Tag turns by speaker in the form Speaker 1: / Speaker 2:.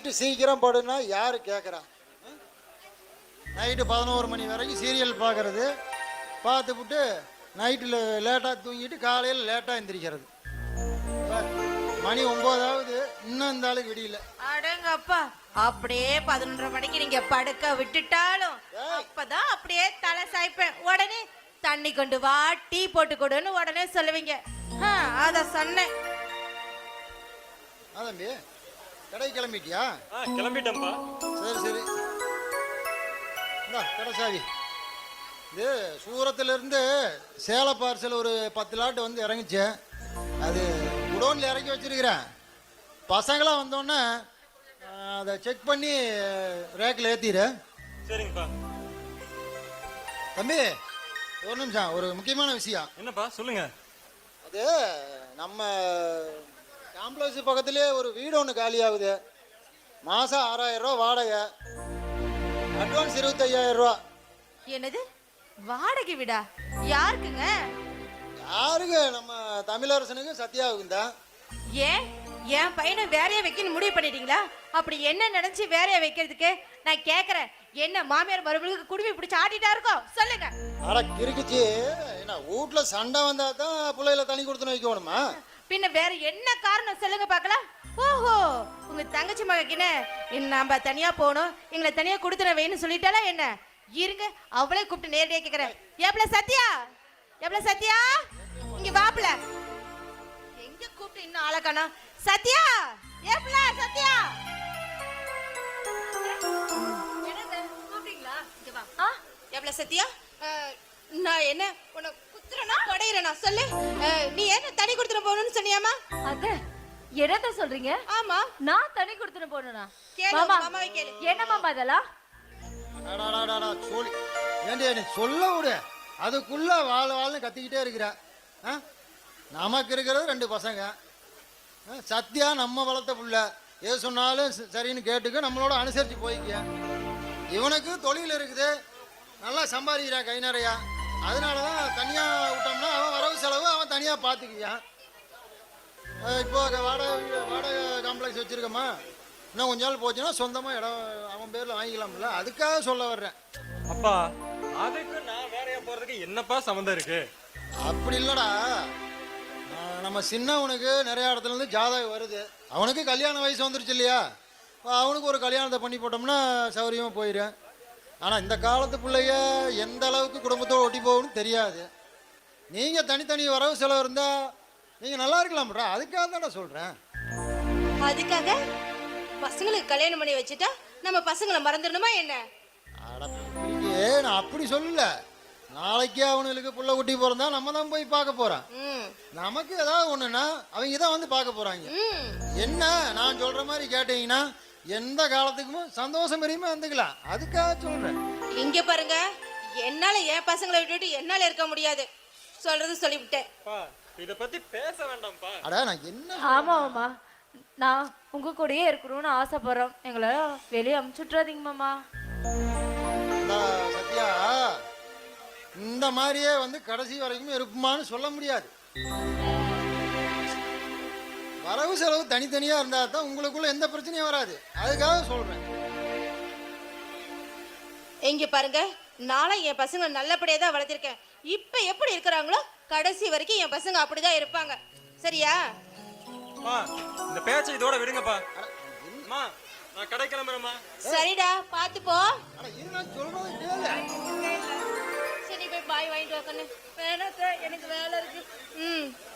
Speaker 1: Night சீக்கிரம் படுனா யாரு கேட்குறா? நைட்டு 11 மணி வரைக்கும் சீரியல் பார்க்கறது, பார்த்துப்புட்டு நைட்டில் லேட்டாக தூங்கிட்டு காலையில் லேட்டாக எந்திரிக்கிறது. மணி 9 ஆகுது, இன்னும் இந்த ஆளுக்கு விடியல.
Speaker 2: அடங்கப்பா, அப்படியே 11:30 மணிக்கு நீங்க படுக்க விட்டுட்டாலும் அப்பதான் அப்படியே தலை சாய்ப்பேன். உடனே தண்ணி கொண்டு வா, டீ போட்டு கொடுன்னு உடனே சொல்லுவீங்க. அத சொன்னேன்.
Speaker 1: தம்பி கடை கிளம்பிட்டியா?
Speaker 3: கிளம்பிட்டேன்ப்பா.
Speaker 1: சரி சரி, கடை சாவி. இது சூரத்துலேருந்து சேல பார்சல் ஒரு 10 லாட்டு வந்து இறங்குச்சு. அது குடோனில் இறக்கி வச்சிருக்கிறேன். பசங்களாம் வந்தோடனே அதை செக் பண்ணி ரேக்கில் ஏற்றிடு.
Speaker 3: சரிங்கப்பா.
Speaker 1: தம்பி ஒரு நிமிஷம், ஒரு முக்கியமான விஷயம்.
Speaker 3: என்னப்பா சொல்லுங்க.
Speaker 1: அது நம்ம காம்ப்ளெக்ஸ் பக்கத்துலேயே ஒரு வீடு ஒன்று காலியாகுது. மாதம் 6000 ரூபா வாடகை, அட்வான்ஸ் 25,000 ரூபா.
Speaker 2: என்னது வாடகை விடா? யாருக்குங்க?
Speaker 1: யாருக்கு? நம்ம தமிழரசனுக்கு சத்யாவுக்கும் தான்.
Speaker 2: ஏன் என் பையனை வேறைய வைக்கணும் முடிவு பண்ணிட்டீங்களா? அப்படி என்ன நினைச்சு வேறைய வைக்கிறதுக்கு நான் கேக்குறேன். என்ன மாமியார் மருமகளுக்கு குடுமி பிடிச்சி ஆட்டிட்டா இருக்கோம்? சொல்லுங்க.
Speaker 1: அட கிறுக்குச்சி, என்ன வீட்டுல சண்டை வந்தா தான் பிள்ளைகளை தனி கொடுத்துன்னு வைக்கணுமா?
Speaker 2: பின்ன வேற என்ன காரணம் சொல்லுங்க பாக்கலாம். ஓஹோ, உங்க தங்கச்சி மகக்கின நம்ம தனியா போகணும், எங்களை தனியா கொடுத்துட வேணும்னு சொல்லிட்டாலா என்ன? இருங்க, அவளே கூப்பிட்டு நேரடியா கேக்குறேன். எவ்வளோ சத்யா, எவ்வளோ சத்யா, இங்க வாப்ல. எங்க கூப்பிட்டு இன்னும் ஆளக்கானா? சத்யா, எவ்வளோ சத்யா, கூப்பிட்டீங்களா? இங்க வா. எவ்வளோ சத்யா, நான் என்ன உன்னை குத்துறனா கொடையிறனா? சொல்லு. நீ என்ன தனி கொடுத்துட போகணும்னு சொன்னியாமா?
Speaker 4: அத என்னத்த சொல்றீங்க?
Speaker 2: ஆமா,
Speaker 4: நான் தனி கொடுத்துட போறேனா?
Speaker 2: கேளு மாமாவை கேளு.
Speaker 4: என்ன மாமா இதெல்லாம்?
Speaker 1: சொல்லி ஏண்டி நீ சொல்ல விடு, அதுக்குள்ள வாழ்னு கத்திக்கிட்டே இருக்கிற. நமக்கு இருக்கிறது 2 பசங்க. சத்யா நம்ம வளர்த்த புள்ள, எது சொன்னாலும் சரின்னு கேட்டுக்க, நம்மளோட அனுசரித்து போய்க்க. இவனுக்கு தொழில் இருக்குது, நல்லா சம்பாதிக்கிறான் கை நிறையா. அதனால தான் தனியாக விட்டோம்னா அவன் வரவு செலவு அவன் தனியாக பார்த்துக்குவான். இப்போ வாடகை காம்ப்ளெக்ஸ் வச்சுருக்கோமா, இன்னும் கொஞ்ச நாள் போச்சுன்னா சொந்தமாக இடம் அவன் பேரில் வாங்கிக்கலாம்ல, அதுக்காக சொல்ல வர்றேன்.
Speaker 3: அப்பா, அதுக்கு நான் வேறையா போறதுக்கு என்னப்பா சம்மந்தம் இருக்கு?
Speaker 1: அப்படி இல்லடா, நம்ம சின்னவனுக்கு நிறைய இடத்துல இருந்து ஜாதகம் வருது. அவனுக்கு கல்யாண வயசு வந்துருச்சு இல்லையா, அவனுக்கு ஒரு கல்யாணத்தை பண்ணி போட்டோம்னா சௌரியமாக போயிடும். ஆனால் இந்த காலத்து பிள்ளைய எந்த அளவுக்கு குடும்பத்தோடு ஒட்டி போகணும்னு தெரியாது. நீங்கள் தனித்தனி வரவு செலவு இருந்தால் நீங்கள் நல்லா இருக்கலாம்டா, அதுக்காக தான்டா சொல்கிறேன்.
Speaker 2: அதுக்காக பசங்களுக்கு கல்யாணம் பண்ணி வச்சுட்டா நம்ம பசங்களை மறந்துடணுமா என்ன?
Speaker 1: நான் அப்படி சொல்லல. நாளைக்கே அவனுக்கு புள்ள குட்டி பிறந்தா நம்ம தான் போய் பார்க்க போறோம். நமக்கு ஏதாவது ஒண்ணுன்னா அவங்க தான் வந்து பார்க்க போறாங்க. என்ன நான் சொல்ற மாதிரி கேட்டீங்கன்னா எந்த காலத்துக்குமே சந்தோஷம் வரையுமே வந்துக்கலாம், அதுக்காக சொல்றேன்.
Speaker 2: இங்க பாருங்க, என்னால என் பசங்களை விட்டுட்டு என்னால இருக்க முடியாது, சொல்றது சொல்லிவிட்டேன்.
Speaker 3: இத பத்தி பேச வேண்டாம்ப்பா.
Speaker 1: அட நான் என்ன?
Speaker 4: ஆமா மாமா, நான் உங்க கூடயே இருக்கணும்னு ஆசைப்படுறோம், எங்களை வெளியே அமுச்சுட்றாதீங்க மாமா.
Speaker 1: சத்யா, இந்த மாதிரியே வந்து கடைசி வரைக்கும் இருப்புமான்னு சொல்ல முடியாது. வரவு செலவு தனித்தனியா இருந்தா தான் உங்களுக்குள்ள எந்த பிரச்சனையும் வராது, அதுக்காக சொல்றேன்.
Speaker 2: இங்க பாருங்க, நாளை என் பசங்க நல்லபடியா தான் வளர்த்திருக்கேன். இப்ப எப்படி இருக்கிறாங்களோ கடைசி வரைக்கும் என் பசங்க அப்படிதான் இருப்பாங்க, சரியா?
Speaker 3: இந்த பேச்சை இதோட விடுங்கப்பா. அம்மா, நான் கடை கிளம்புறேம்மா.
Speaker 2: சரிடா, பாத்து போ.
Speaker 1: சொல்றது கேளு.
Speaker 2: சரி, போய் பாய் வாங்கிட்டு வா கண்ணு. எனக்கு வேலை இருக்கு.